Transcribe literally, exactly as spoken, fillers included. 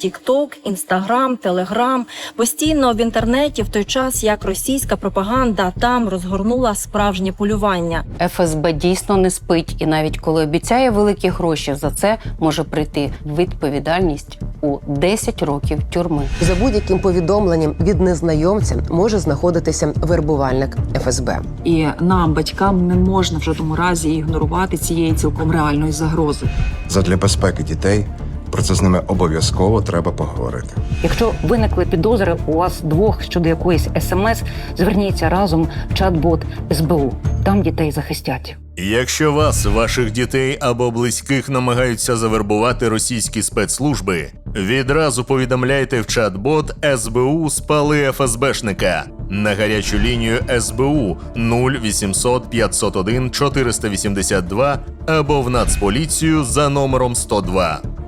Тік-Ток, Інстаграм, Телеграм. Постійно в інтернеті в той час, як російська пропаганда там розгорнула справжнє полювання. еф ес бе дійсно не спить, і навіть коли обіцяє великі гроші, за це може прийти відповідальність у десять років тюрми. За будь-яким повідомленням від незнайомця може знаходитися вербувальник еф ес бе. І нам, батькам, не можна в жодному разі ігнорувати цієї цілком реальної загрози. Задля безпеки дітей про це з ними обов'язково треба поговорити. Якщо виникли підозри у вас двох щодо якоїсь ес ем ес, зверніться разом в чат-бот ес бе у. Там дітей захистять. Якщо вас, ваших дітей або близьких намагаються завербувати російські спецслужби, відразу повідомляйте в чат-бот ес бе у «Спали еф ес бешника» на гарячу лінію ес бе у нуль вісімсот п'ятсот один чотириста вісімдесят два або в Нацполіцію за номером сто два.